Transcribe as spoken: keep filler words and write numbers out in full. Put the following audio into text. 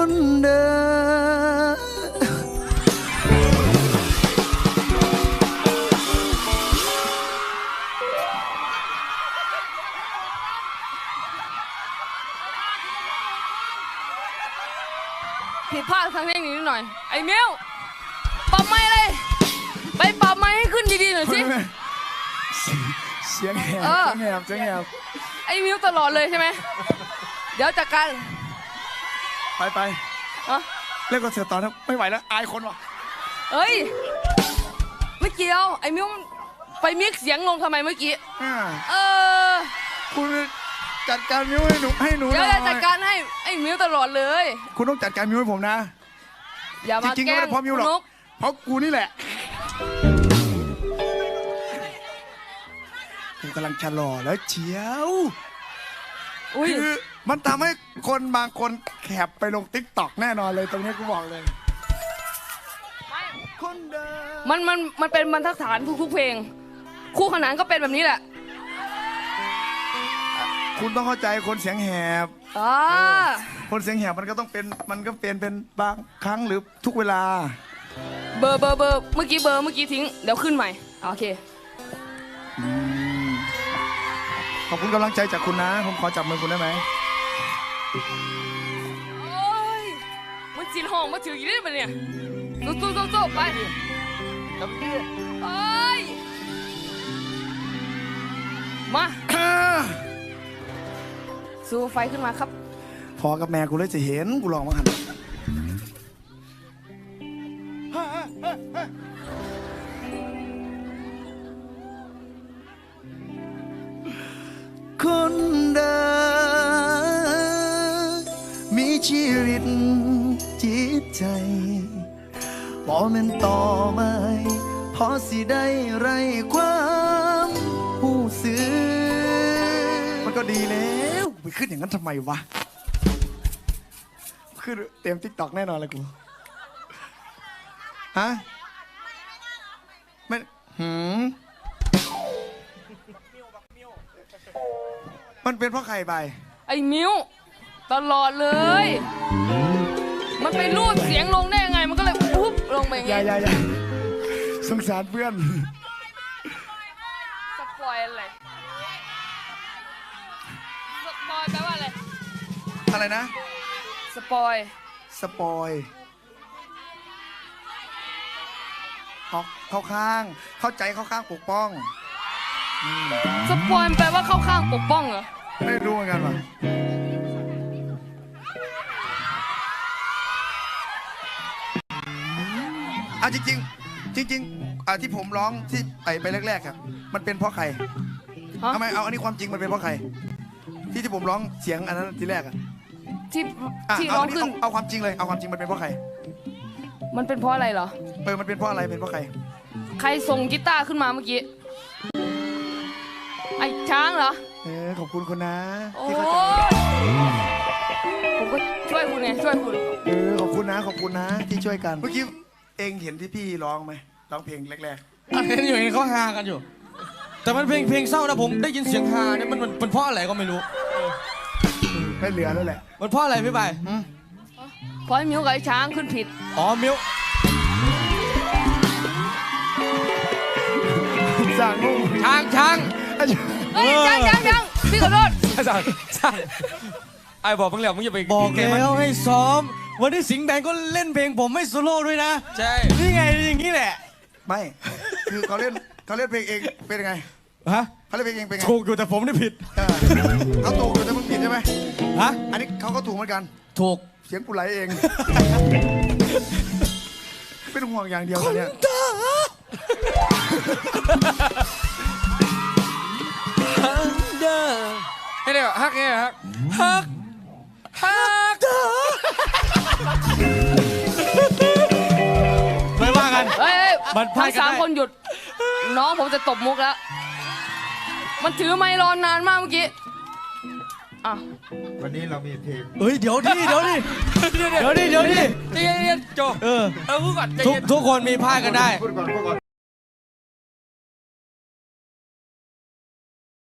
คนเดิมผิดพลาดครั้งเทคนิคนิดหน่อยไอ้มิวปรับไม้เลยไปปรับไม้ให้ขึ้นดีๆหน่อยสิเสียงแหบเสียงแหบเสียงแหบไอ้มิวตลอดเลยใช่ไหมเดี๋ยวจัดการไปไปเล่นคอนเสิร์ตต่อนะไม่ไหวแล้วอายคนว่ะเอ้ยไม่เกี่ยวไอ้มิวไปมิกเสียงลงทำไมเมื่อกี้เออคุณจัดการมิวให้หนูให้หนูเดี๋ยวจะจัดการให้ไอ้มิวตลอดเลยคุณต้องจัดการมิวให้ผมนะอย่ามาแกล้งจริงๆไม่ได้เพราะมิวหรอกเพราะกูนี่แหละกูกำลังชะลอแล้วเชียวคือมันทำให้คนบางคนแคปไปลงติ๊กต็อกแน่นอนเลยตรงนี้กูบอกเลยคนเดิมมันมันมันเป็นบรรทัดฐานทุกๆเพลงคู่ขนานก็เป็นแบบนี้แหละคุณต้องเข้าใจคนเสียงแหบคนเสียงแหบมันก็ต้องเป็นมันก็เป็นเป็นบางครั้งหรือทุกเวลาเบอร์เบอร์เบอร์เมื่อกี้เบอร์เมื่อกี้ทิ้งเดี๋ยวขึ้นใหม่โอเคขอบคุณกำลังใจจากคุณนะผมขอจับมือคุณได้ไหมโอ้ยมันจีนห้องมาถือกี่ได้ปะเนี่ยสู้สู้สู้สู้ไปจับมือเอ้ยมาสู้ไฟขึ้นมาครับพอกับแม่กูเลยจะเห็นกูลองมาหันคนเดิมมีชีวิตจิตใจบ่แม่นต่อไม้พอสิได้ไรความหูสึกมันก็ดีแล้วไปขึ้นอย่างนั้นทำไมวะขึ้นเต็มติ๊กต็อกแน่นอนเลยกูฮะไม่หืมมันเป็นเพราะใครไปไอ้มิวตลอดเลยมันไปรูดเสียงลงได้ยังไงมันก็เลยปุ๊บลงไปอย่างเงี้ยอย่าอย่าสงสารเพื่อนสปอยอะไรสปอยแปลว่าอะไรอะไรนะสปอยสปอยเขาเข้าข้างเข้าใจเข้าข้างปกป้องสปอยแปลว่าเข้าข้างปกป้องเหรอไม่รู้เหมือนกันว่ะอ่ะจริงๆจริงๆอ่ะที่ผมร้องที่ไปไปแรกๆครับมันเป็นเพราะใครทำไมเอาอันนี้ความจริงมันเป็นเพราะใครที่ที่ผมร้องเสียงอันนั้นทีแรกอ่ะที่ที่ร้องขึ้นเอาความจริงเลยเอาความจริงมันเป็นเพราะใครมันเป็นเพราะอะไรเหรอเออมันเป็นเพราะอะไรเป็นเพราะใครใครส่งกีตาร์ขึ้นมาเมื่อกี้ไอ้ช้างเหรอเออขอบคุณคุณนะที่เขาจะผมก็ช่วยคุณไงช่วยคุณเออขอบคุณนะขอบคุณนะที่ช่วยกันเมื่อกี้เองเห็นที่พี่ร้องไหมร้องเพลงแรกๆเห็นอยู่เห็นเขาฮากันอยู่แต่มันเพลงเพลงเศร้านะผมได้ยินเสียงฮาเนี่ยมันมันเพราะอะไรก็ไม่รู้ไม่เหลือแล้วแหละมันเพราะอะไรพี่ใบเพราะมิวกับไอ้ช้างขึ้นผิดอ๋อมิวสั่งงงช้างช้างเฮ้ยช้างช้างช้างพี่ขอโทษช้างช้างไอ้บอกเพิ่งเรียกมึงอย่าไปบอกแล้วให้ซ้อมวันนี้สิงห์แบงก็เล่นเพลงผมไม่โซโล่ด้วยนะใช่นี่ไงอย่างนี้แหละไม่คือเขาเล่นเขาเล่นเพลงเองเป็นยังไงฮะเขาเล่นเพลงเองเป็นไงถูกอยู่แต่ผมนี่ผิดเขาถูกอยู่แต่มึงผิดใช่ไหมฮะอันนี้เขาก็ถูกเหมือนกันถูกเสียงกูไหลเองเป็นห่วงอย่างเดียวเนี่ยให้เดี๋ยวฮักไงฮักฮักฮักไม่ว่ากันเฮ้ยทั้งสามคนหยุดน้องผมจะตบมุกแล้วมันถือไมค์รอนานมากเมื่อกี้อ่ะวันนี้เรามีเพลงเฮ้ยเดี๋ยวดิเดี๋ยวดิเดี๋ยวดิเดี๋ยวดิเดี๋ยวดิโจเออทุกทุกคนมีพลาดกันได้